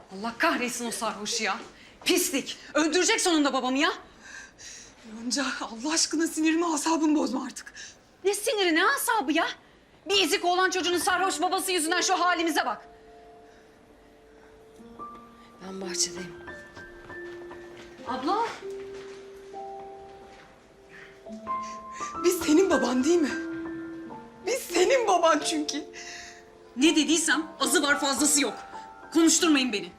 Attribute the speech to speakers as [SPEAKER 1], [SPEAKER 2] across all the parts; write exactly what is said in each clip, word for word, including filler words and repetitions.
[SPEAKER 1] Allah kahretsin o sarhoşu ya. Pislik. Öldürecek sonunda babamı ya.
[SPEAKER 2] Yonca Allah aşkına sinirimi asabımı bozma artık.
[SPEAKER 1] Ne siniri ne asabı ya. Bir ezik olan çocuğunun sarhoş babası yüzünden şu halimize bak. Ben bahçedeyim. Abla.
[SPEAKER 2] Biz senin baban değil mi? Biz senin baban çünkü.
[SPEAKER 1] Ne dediysem azı var fazlası yok. Konuşturmayın beni.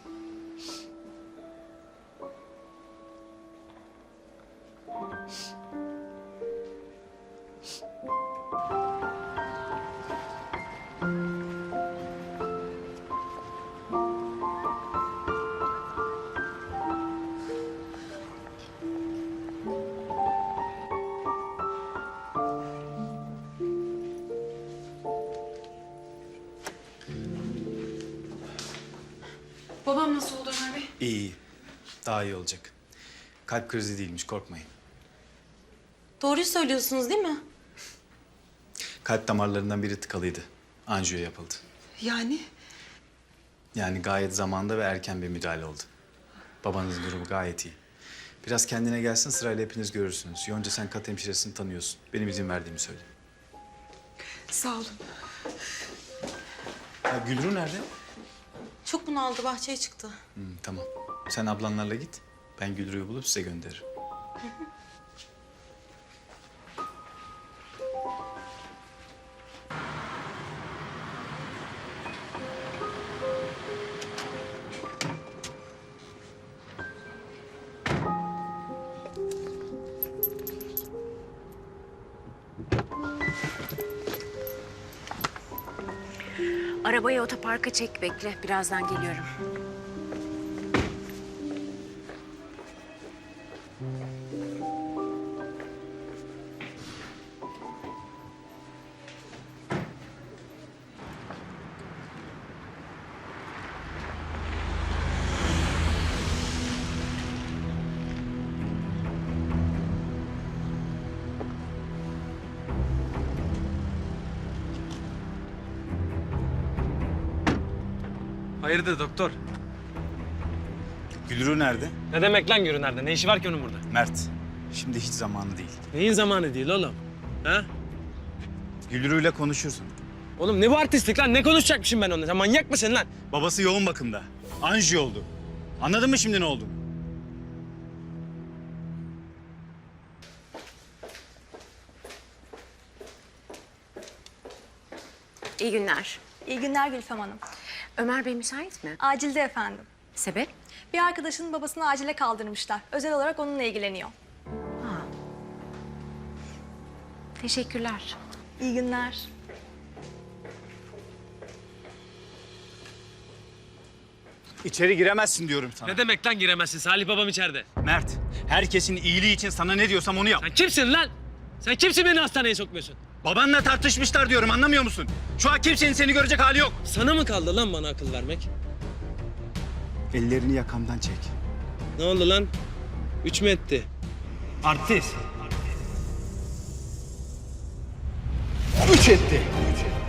[SPEAKER 1] Babam nasıl oldu Ömer Bey?
[SPEAKER 3] İyi, iyi. Daha iyi olacak. Kalp krizi değilmiş, korkmayın.
[SPEAKER 4] Doğruyu söylüyorsunuz değil mi?
[SPEAKER 3] Kalp damarlarından biri tıkalıydı. Anjiyo yapıldı.
[SPEAKER 2] Yani
[SPEAKER 3] Yani gayet zamanda ve erken bir müdahale oldu. Babanızın durumu gayet iyi. Biraz kendine gelsin, sırayla hepiniz görürsünüz. Yonca sen kat hemşiresini tanıyorsun. Benim izin verdiğimi söyle.
[SPEAKER 2] sağ olun.
[SPEAKER 3] Ya Gülru nerede?
[SPEAKER 4] Çok bunaldı, bahçeye çıktı.
[SPEAKER 3] Hı, tamam. Sen ablanlarla git. Ben Gülru'yu bulup size gönderirim.
[SPEAKER 5] Arabayı otoparka çek, bekle. Birazdan geliyorum.
[SPEAKER 6] Hayırdır doktor?
[SPEAKER 3] Gülru nerede?
[SPEAKER 6] Ne demek lan görün nerede? Ne işi var ki onun burada?
[SPEAKER 3] Mert. Şimdi hiç zamanı değil.
[SPEAKER 6] Neyin zamanı değil oğlum? Ha?
[SPEAKER 3] Gülru'yla konuşursun.
[SPEAKER 6] Oğlum ne bu artistlik lan? Ne konuşacakmışım ben onunla? Sen manyak mısın lan?
[SPEAKER 3] Babası yoğun bakımda. Anjiyo oldu. Anladın mı şimdi ne oldu?
[SPEAKER 5] İyi günler.
[SPEAKER 7] İyi günler Gülfem Hanım.
[SPEAKER 5] Ömer Bey müsait mi?
[SPEAKER 7] Acilde efendim.
[SPEAKER 5] Sebep?
[SPEAKER 7] Bir arkadaşının babasını acile kaldırmışlar. Özel olarak onunla ilgileniyor.
[SPEAKER 5] Ha. Teşekkürler.
[SPEAKER 7] İyi günler.
[SPEAKER 3] İçeri giremezsin diyorum sana.
[SPEAKER 6] Ne demek lan giremezsin? Salih babam içeride.
[SPEAKER 3] Mert, herkesin iyiliği için sana ne diyorsam onu yap.
[SPEAKER 6] Sen kimsin lan? Sen kimsin beni hastaneye sokmuyorsun?
[SPEAKER 3] Babanla tartışmışlar diyorum, anlamıyor musun? Şu an kimsenin seni görecek hali yok.
[SPEAKER 6] Sana mı kaldı lan bana akıl vermek?
[SPEAKER 3] Ellerini yakamdan çek.
[SPEAKER 6] Ne oldu lan? Üç mü etti? Artist.
[SPEAKER 3] Üç etti. Üç etti.